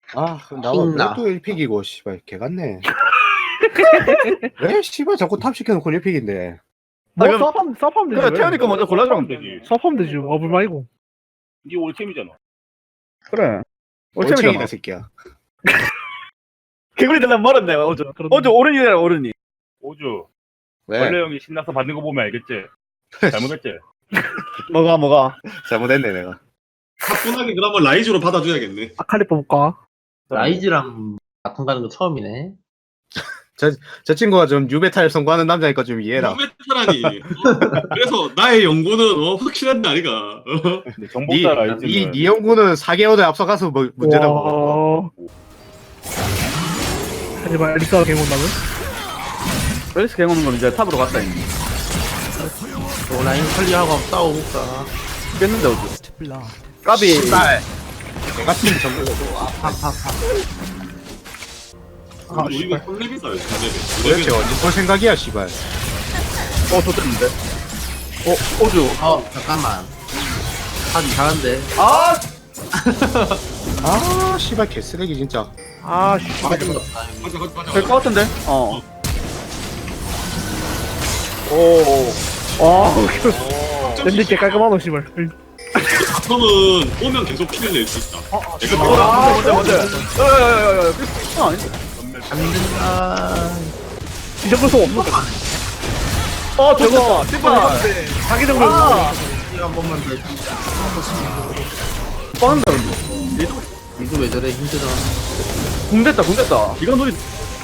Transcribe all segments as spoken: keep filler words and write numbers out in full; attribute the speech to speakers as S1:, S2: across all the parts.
S1: 아, 나만
S2: 킹나.
S1: 또 일 픽이고, 씨발, 개 같네. 왜, 씨발, 자꾸 탑 시켜놓고 일 픽인데.
S3: 뭐
S4: 아, 그럼-
S3: 서프하면 서프하면 되지.
S4: 그래
S3: 왜?
S4: 태연이 거 먼저 골라주면
S5: 되지.
S3: 서프하면 되지. 어불 말고.
S5: 니 올챔이잖아.
S4: 그래
S1: 올챙이다,
S4: 올챙이잖아
S1: 새끼야.
S4: 개구리 들려면 멀었네 어제
S3: 그런-
S4: 어제 오른이라 오른이
S5: 오주.
S1: 왜?
S5: 원래 형이 신나서 받는 거 보면 알겠지? 잘못했지?
S4: 뭐가 뭐가
S1: 잘못했네, 내가.
S6: 가뿐하게 그러면 라이즈로 받아줘야겠네.
S3: 아칼리 뽑을까?
S2: 라이즈랑 바통 가는 거 처음이네.
S1: 저 친구가 좀 유메탈 선고하는 남자니까 좀 이해해라.
S6: 유메타라니. 어? 그래서 나의 연구는 어, 확실한 날이가. 어?
S5: 근데
S1: 니,
S5: 정복자 라이즈는
S1: 니, 니 연구는 사 개월에 앞서가서 뭐, 문제라고.
S3: 와. 하지만 엘리스가 개온다면
S4: 웰스 갱 오는 건 이제 탑으로 갔다 있네
S2: 또 라인 클리어하고 한번 싸워볼까.
S4: 깼는데 어제 까비
S1: 씨발. 개 같은 정글.
S3: 아,
S6: 우리 이거
S3: 씨발.
S6: 헐레비사요.
S1: 도대체 언제 볼 생각이야, 씨발.
S4: 어 좋댔는데 어 오주
S2: 어, 잠깐만. 하기 잘한데.
S4: 아
S1: 아, 씨발, 개쓰레기, 진짜.
S3: 아, 씨.
S2: 맞은 거 없다.
S6: 가자 가자 가자.
S4: 될 것 같은데 어 오.
S3: 아,
S5: 오.
S3: 랜드 개 깔끔하노, 씨발.
S6: 바텀은 오면 계속 킬을 낼 수 있다. 내가
S4: 어,
S6: 뭐라?
S4: 아, 뭔데, 뭔데? 야야야야야, 그거 아닌데?
S2: 안 된다.
S3: 이 정도 소 없는 거.
S4: 어, 저거, 씨발.
S3: 자기 정도.
S4: 아,
S2: 이거 한 번만 더.
S4: 빠른다, 근데. 얘도
S2: 이거 왜 저래 힘들어.
S4: 궁됐다, 궁됐다. 이건 우리.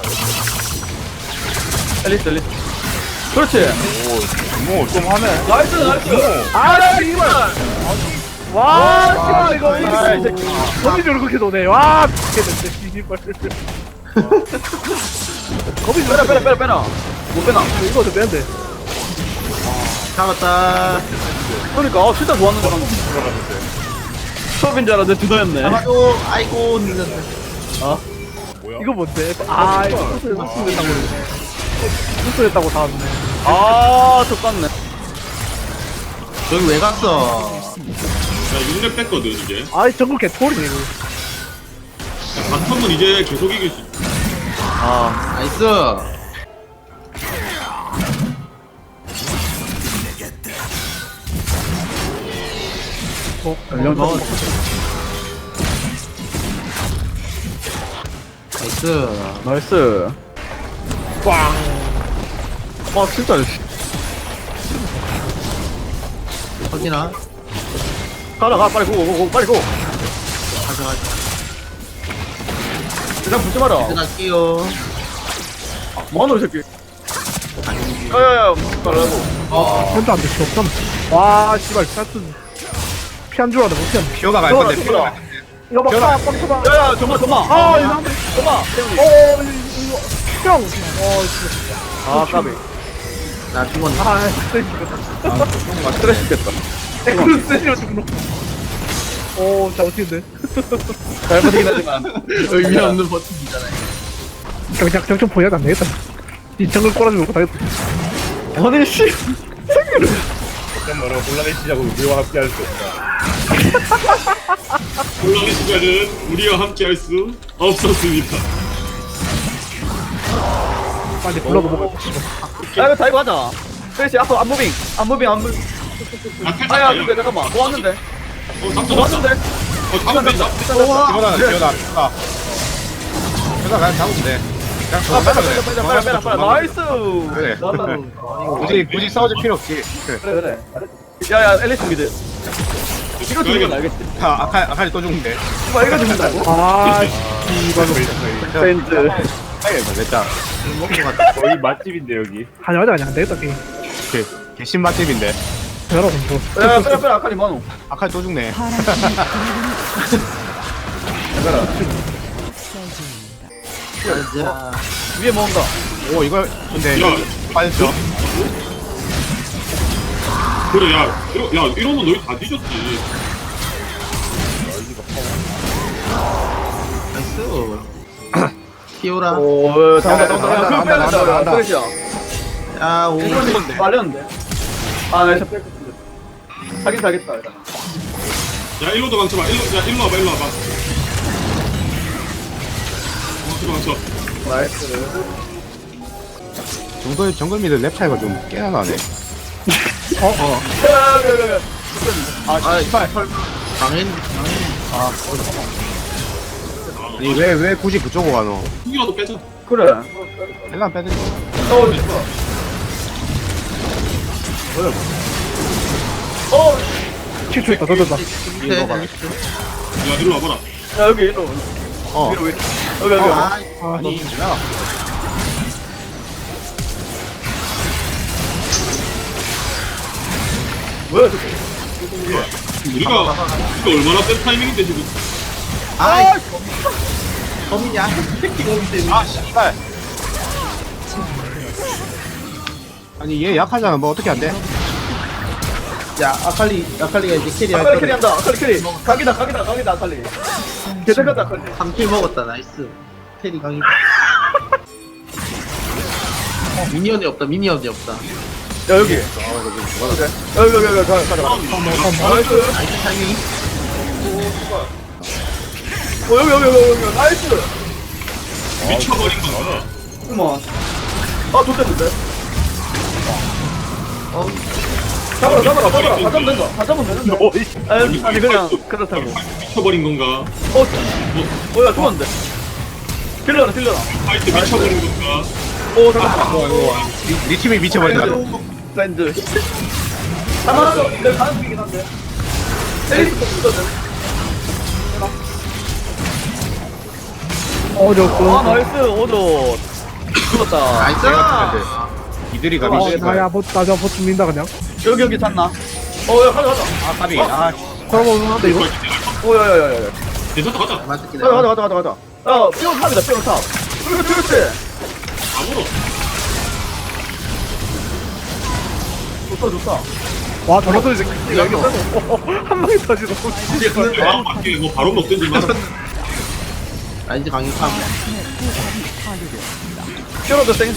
S4: 엘리스, 엘리스. 그렇지.
S5: 오, 좀 하네.
S4: 나이스, 나이스.
S3: 아, 씨발. 와, 씨발, 이거.
S4: 아, 이 새끼.
S3: 거미 저렇게 그렇게 도네. 와, 미치겠는데, 씨발. 거미
S4: 빼라, 빼라, 빼라, 빼라. 못 빼나.
S3: 이거 좀 빼는데.
S2: 잡았다.
S4: 그러니까, 어, 진짜 좋았는데, 방금. 수업인 줄 알았는데, 두더였네.
S2: 잡아줘. 아이고, 늦었네.
S5: 뭐야?
S3: 이거 뭔데? 아, 이거 수술했다고. 수술했다고 다 왔네.
S4: 아, 족같네.
S2: 여기 왜 갔어?
S6: 나 육 렙 뺐거든 이제.
S3: 아, 정글 개토리네, 이거.
S6: 바텀은 이제 계속 이길 수 있다.
S4: 아,
S2: 나이스.
S3: 어,
S4: 연령
S2: 어,
S4: 좀.
S2: 나이스.
S4: 나이스.
S3: 꽝.
S4: 아, 진짜.
S2: 확인아.
S4: 가라, 가, 빨리 고, 고, 고, 빨리 고.
S2: 가자, 가자.
S4: 일단 붙지 마라.
S2: 끝날게요.
S4: 뭐하노, 이 새끼. 야야야, 말라고.
S2: 어,
S3: 현도 안 돼, 씨, 없잖아. 와, 씨발, 짜증. 피한 줄 알았는데, 못 피한.
S1: 피오가 갈
S4: 들어라,
S1: 건데,
S4: 들어라.
S1: 피오가.
S3: 이거 막,
S1: 피어나.
S3: 빡, 빡쳐봐.
S4: 야야, 정말, 정말.
S3: 아, 이거 한 대.
S4: 정말.
S3: 어, 이거, 형. 어, 진짜.
S4: 아, 까비.
S2: 나 죽었네.
S3: 아, 스트레스 죽겠다.
S4: 아, 스트레스 됐다.
S3: 에크루 스트레스 죽노. 오, 잘 어떻게인데?
S4: 잘못이긴 하지만.
S2: 의미 없는 버튼이잖아.
S3: 경장, 경청 보여도 안 되겠다. 이 정글 꼬라지 놓고 다겠다.
S4: 아니, 씨.
S5: 잠깐만, 혼란의 시작을 우리와 함께 할 수 없다.
S6: 혼란의 시간은 우리와 함께 할 수 없었습니다.
S3: 빨리 불러도 먹어.
S4: 야, 이거 다이브 하자. 스트레스 앞으로 안 무빙. 안 무빙, 안 무빙.
S6: 아, 탈
S4: 아야,
S6: 탔다.
S4: 근데 잠깐만. 뭐 왔는데?
S6: 어, 잡자,
S4: 뭐
S6: 잡자.
S4: 왔는데?
S6: 어, 잡으면 된다.
S1: 피오나, 피오나, 피오나. 피오나 그냥 잡으면 돼. 그냥
S4: 아,
S1: 저거
S4: 빼라,
S1: 빼면 돼.
S4: 빼라, 빼라, 빼라, 빼라. 나이스.
S1: 그래.
S4: 나이스.
S1: 굳이, 굳이 싸워줄 필요 없지. 그래.
S4: 그래, 그래. 야야, 앨리스 미드. 이거 죽는 건 알겠지.
S1: 아, 아칼, 아칼이 또 죽는데.
S4: 이거 이거 죽는다고?
S3: 아, 씨발.
S4: 벤츠.
S1: 아이고, 됐다.
S5: 거의 맛집인데, 여기.
S3: 하자, 하자, 그냥 안 되겠다, 게임.
S1: 개, 개신 맛집인데.
S3: 대단하, 좀.
S4: 야, 빼라, 빼라, 아카리 많어.
S1: 아칼 또 죽네.
S2: 가자.
S4: 위에 모은다.
S1: 오, 이거, 근데,
S6: 야.
S1: 빠졌죠?
S6: 그래, 야, 이러, 야, 이러면 너희 다 뒤졌지.
S2: 나이스. 피오라.
S4: 오, 잠깐만,
S1: 나온다,
S4: 잠깐만.
S1: 나온다,
S4: 그거 빼야
S1: 나온다,
S4: 된다.
S1: 나온다.
S4: 스트레스야.
S2: 야, 오.
S4: 이건 말렸는데. 아, 나 진짜 뺄 건데. 하긴 가겠다, 일단.
S6: 야, 일로도 망쳐봐. 일로, 야, 일로 와봐, 일로 와봐. 망쳐 망쳐.
S1: 정글 정글 미드 랩 차이가 좀 꽤나 나네.
S2: 아, 씨발. 강인, 강인.
S1: 아니 왜 왜 굳이 그쪽으로 가노?
S6: 이라도 빼자.
S4: 그래.
S1: 일단 빼드리.
S4: 어, 좋다. 어,
S3: 칠 초 있다 던졌다.
S2: 밑에.
S6: 야 일로 와봐라.
S4: 야, 여기, 일로.
S1: 어.
S4: 위로, 위로. 여기, 여기.
S2: 아,
S1: 아니 야.
S4: 뭐야, 저거.
S6: 우리가 우리가 얼마나 센 타이밍인데 지금.
S2: 아, 범이냐? 새끼 범이 때문에.
S1: 아 씨발. 아니 얘 약하잖아. 뭐 어떻게 안 돼?
S2: 야, 아칼리, 아칼리가 이제 캐리 할
S4: 아칼리
S2: 거를.
S4: 캐리한다, 아칼리 캐리. 각이다, 각이다, 각이다, 아칼리. 개새같다, 아칼리.
S2: 한 킬 먹었다, 나이스. 캐리 강이다. 미니언이 없다, 미니언이 없다.
S4: 야, 여기. 여기, 여기, 여기, 가, 가자, 가자. 나이스.
S2: 나이스 타이밍.
S4: 어, 여기, 여기, 여기, 여기. 나이스.
S6: 미쳐버린 건가?
S4: 어머. 아, 좋겠는데?
S2: 어,
S4: 잡아라, 잡아라, 잡아라. 다 잡으면 된다. 다 잡으면 되는데. 아니, 아니, 그냥, 그렇다고.
S6: 미쳐버린 건가?
S4: 어, 어, 야, 죽었는데. 딜러라, 딜러라.
S6: 파이트 미쳐버린 건가?
S4: 오, 잠깐만.
S1: 니, 니 팀이 미쳐버린다.
S4: 밴드. 하나 더, 내 가는 중이긴 한데. 에이스 거
S3: 어 저.
S4: 아, 나이스, 오조. 죽었다.
S2: 나이스.
S1: 이들이
S3: 어,
S1: 가미 씨발.
S3: 나야 보 나저 버튼 민다 그냥.
S4: 여기, 여기 잤나? 어, 야, 가자, 가자.
S1: 아 까비. 아
S3: 그러면 한데 이거.
S4: 오, 야, 야, 야, 야.
S6: 괜찮다 가자.
S2: 맞을게.
S4: 가자, 가자, 가자, 가자, 가자. 야, 피어 탑이다, 피어 탑. 그렇지, 그렇지.
S6: 아무로.
S4: 좋다, 좋다.
S3: 와 저런 소리 새끼 여기 한 방에 터지고.
S6: 아 맞게 뭐 바로 먹든지 마.
S2: 아, 이제 강인 탑.
S4: 피어도 생.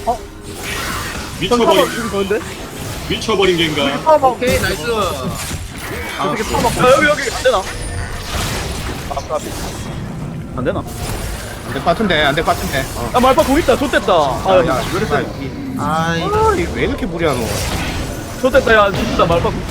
S6: 미쳐버린
S3: 좋은데?
S6: 미쳐버린 겐가?
S2: 오케이, 나이스. 아,
S4: 어떻게 파먹고. 야, 여기, 여기. 안 되나? 안 되나?
S1: 안될 것 같은데 안 될 것 같은데. 어.
S4: 야, 말파 공 있다. 좋댔다. 아,
S1: 야,
S4: 야,
S1: 왜 이렇게
S2: 아이,
S1: 아, 이왜 이렇게 무리하노?
S4: 좋댔다. 야, 진짜 말파 공.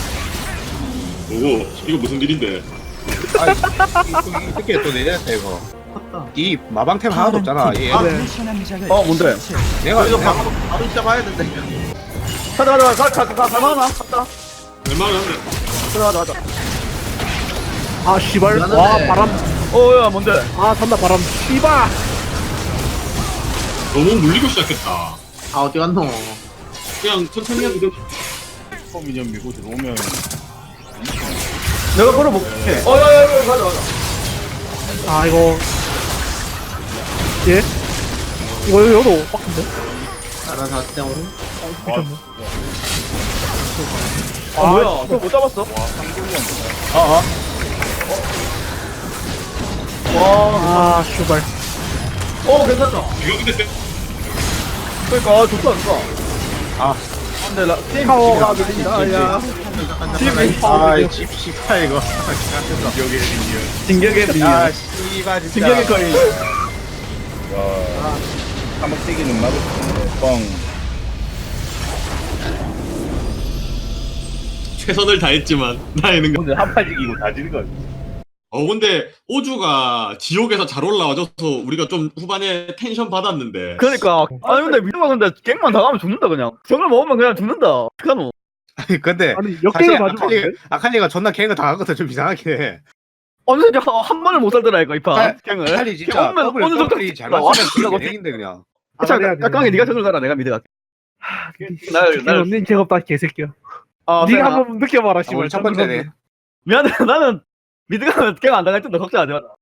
S6: 오고 이거 무슨 일인데?
S1: 아, 이, 이, 이 새끼 또 내렸다 이거. 이 마방템 하나도 없잖아. 얘
S2: 아,
S3: 네.
S4: 어, 뭔데?
S1: 내가
S2: 이거
S1: 내가
S2: 바로, 바로 시작해야 된다.
S4: 가자, 가자, 가자, 가자, 가자, 가자, 갔다.
S6: 얼마나
S4: 가자, 가자, 가자.
S3: 아 씨발. 와
S2: 미안하네.
S3: 바람.
S4: 어, 야, 뭔데?
S3: 아 산다 바람. 씨발.
S6: 너무 물리고 시작했다.
S2: 아, 어디 갔노?
S6: 그냥 천천히 해도 돼.
S5: 미니언 밀고 들어오면
S4: 내가 걸어볼게. 어, 야, 야, 야, 가자, 가자.
S3: 아 이거. 예? 이거 여도 빡친데?
S2: 알아서 하세요.
S4: 아, 뭐야? 그거 못 잡았어?
S5: 아, 아.
S4: 와,
S3: 아 씨발.
S4: 어, 괜찮다.
S6: 이거 근데 세-
S4: 그러니까, 아, 좋다, 좋다.
S1: 아.
S4: 근데, 나, 게임
S3: 파워가
S4: 밀린다, 야.
S3: 팀이
S1: 아, 집 씨발 이거.
S5: 여기 미니언.
S4: 진격의 미니언.
S1: 아, 씨발 진짜.
S4: 진격의 거인.
S5: 와. 까먹대기는 막을 수 있네. 뻥.
S6: 최선을 다했지만 나에는.
S5: 오늘 한판 이기고 다 지는 거.
S6: 어 근데 오주가 지옥에서 잘 올라와줘서 우리가 좀 후반에 텐션 받았는데.
S4: 그러니까. 아니, 근데 미드가 근데 갱만 당하면 죽는다, 그냥. 저걸 먹으면 그냥 죽는다. 어떡하노?
S1: 아니 근데
S3: 아니
S1: 사실
S3: 역대를 맞으면 안
S1: 아칼리
S3: 돼?
S1: 아칼리가 존나 갱을 당하거든 좀 이상하게 해.
S4: 어느 정도 한 번을 못 살더라니까, 이 판.
S1: 아,
S4: 갱을.
S1: 아칼리 진짜
S4: 오면
S1: 더블
S4: 어느 정도
S1: 더블이 잘
S4: 나와.
S1: 맞으면 갱인데 그냥.
S4: 자,
S3: 알아야 돼.
S4: 깍깍이 네가 저걸 가라, 내가 미드 갈게. 날, 날.
S3: 언니 죄없다 개새끼야.
S4: 아,
S3: 네가
S4: 내가-
S3: 한번 느껴봐라
S1: 아,
S3: 씨발.
S1: 우리 첫 번째네.
S4: 미안해, 나는 미드 가면 갱안 당할 텐데 걱정하지 마라.